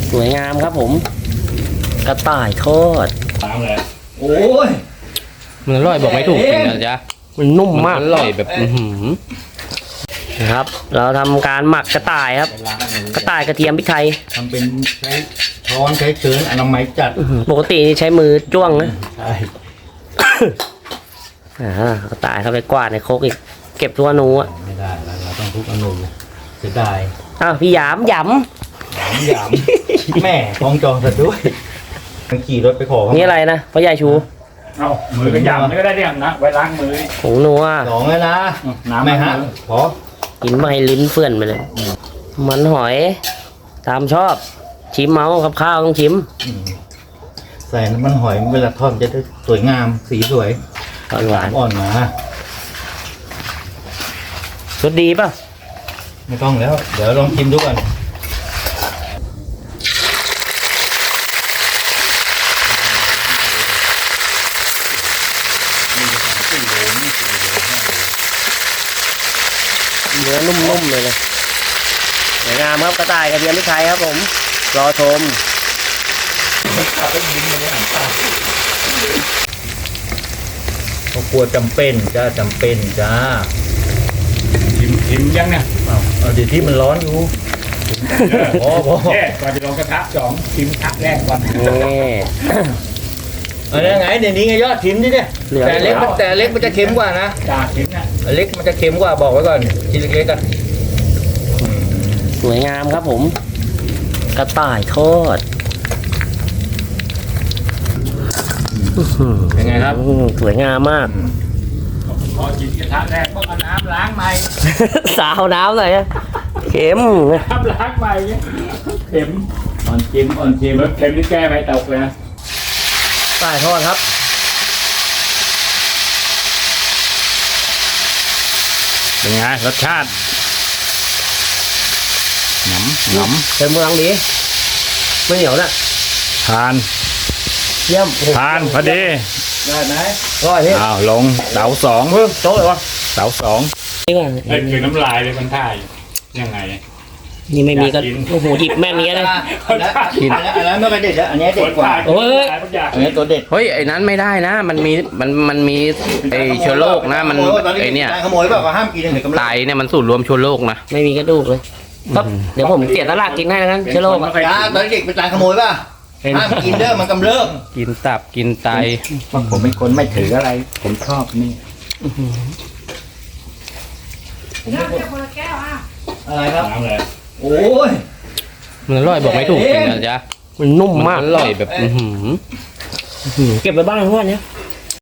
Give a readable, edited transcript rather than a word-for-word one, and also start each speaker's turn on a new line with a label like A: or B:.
A: สวยงามครับผมกระต่ายทอด
B: โอ้ย
C: มันอร่อยบอกไม่ถูกจริงนะจ๊ะ
A: มันนุ่มมาก
C: อร่อยแบบ
A: นะครับ เราทำการหมักกระต่ายครับ กระต่ายกระเทียมพริกไทย
B: ทำเป็นใช้ช้อนใช้เชิญอนามัยจัด
A: ปกตินี่ใช้มือจ้วงนะ
B: ใช่
A: กระต่ายเข้าไปกวาดในโคกอีกเก็บทั่วนูอ่ะ
B: ไม่ได้เราต้องทุกอนูเสียดาย
A: พี่หยามหย
B: หยามแม่คล้องจองซะด้วยมันขี่รถไปขอ
A: ำนี่อะไรนะพ่อใหญ่ชู
D: เอามือก็ยำนี่ก็ได้เนี่ยนะไว้ล้างมือ
A: ผงนัว
B: สองแล้วนะ
D: น้ำ
B: ไม่ฮะพอ
A: กินมาให้ลิ้นเฟื่อนไปเลย มันหอยตามชอบชิมเมาครับข้าวต้องชิม
B: ใส่น้ำมันหอยเวลาทอดจะได้สวยงามสีสวย
A: หวาน
B: อ่อนมา
A: รสดีป่ะ
B: ไม่ต้องแล้ว เดี๋ยวลองชิมดูก่อน
A: เนื้อนุ่มๆเลยนะสวยงามครับกระต่ายกระเทียมพริกไทยครับผมรอชม
B: เขากลัวจำเป็นจ้าจำเป็นจ้า
D: ชิมยังเนี่ย
B: เอาเดี๋ยวที่มันร้อนอยู่พอ
D: แค่ก่อนจะลงกระทะสองชิมทักแรกก่อน
A: นี่
B: อันนี้ไงเดี๋ยวนี้ไงยอดชิมดิเนี่ย
A: เหลือ
B: แต่เล็กมันจะเค็มกว่านะ
D: จ่าชิมนะ
B: เล็กมันจะเค็มกว่าบอกไว้ก่อนชิ้นเล็กๆกัน
A: สวยงามครับผม กระต่ายทอด
B: เป็นไงครับ
A: สวยงามมาก
D: พอชิมกระทะแรกก็เอาน้ำล้างใหม่
A: สาวน้ำหน่อยนะเข็ม
D: น้ำล้างใหม่เข็มอ่อนชิมแล้วเข็มนี่แก้ไม่ตกเลยนะ
A: กระต่ายทอดครับ
D: เป็นไงรสชาติหนำ
A: เป็นเมืองดีไม่เหนียวนะ
D: ทาน
A: เยี่ยม
D: ทานพอดี
B: ได้ไหม
A: อร่อยพี่
D: อ้าวลงเสาสอง
A: โต๊ะเลยวะ
D: เสาสอง
A: นี่ก่อน
D: ไอ้คือน้ำลายเลยมันท่ายยังไง
A: นี่ไม่มีก็
D: อยากกิน
A: โอ้โหหยิบแม่นนี้เลย
B: อันนั้นไม่เป็นเด็ดแล้วอันนี้เด็ดกว่า
A: โอ้ย
B: อันนี้ตัวเด็ด
C: เฮ้ยไอ้นั้นไม่ได้นะ มันมีไอ้เชื้อโรคนะมันไอ้เนี่ย
B: ขโมยเปล่าก็ห้ามกินถึงกำลัง
C: ไตเนี่ยมันสูตรรวมเชื้อโรคนะ
A: ไม่มีกระดูกเลยครับเดี๋ยวผมเสียตลาดกินให้แล้วกันเชื้อโรคอะ
B: จ้าตอนเด็กเป็นตายขโมยป่ะห้ามกินเด้อมันกำเริบ
C: กินตับกินไต
D: ผมเป็นคนไม่ถืออะไร ผมชอบนี่
B: อะไรครับ
D: น้ำเลย
B: โอ้ย
C: มันอร่อยบอกไม่ถูกจริงนะจ๊ะ
A: มันนุ่มมาก
C: อร่อยแบบ
A: เก็บไปบ้านเพื่อนเนี้ย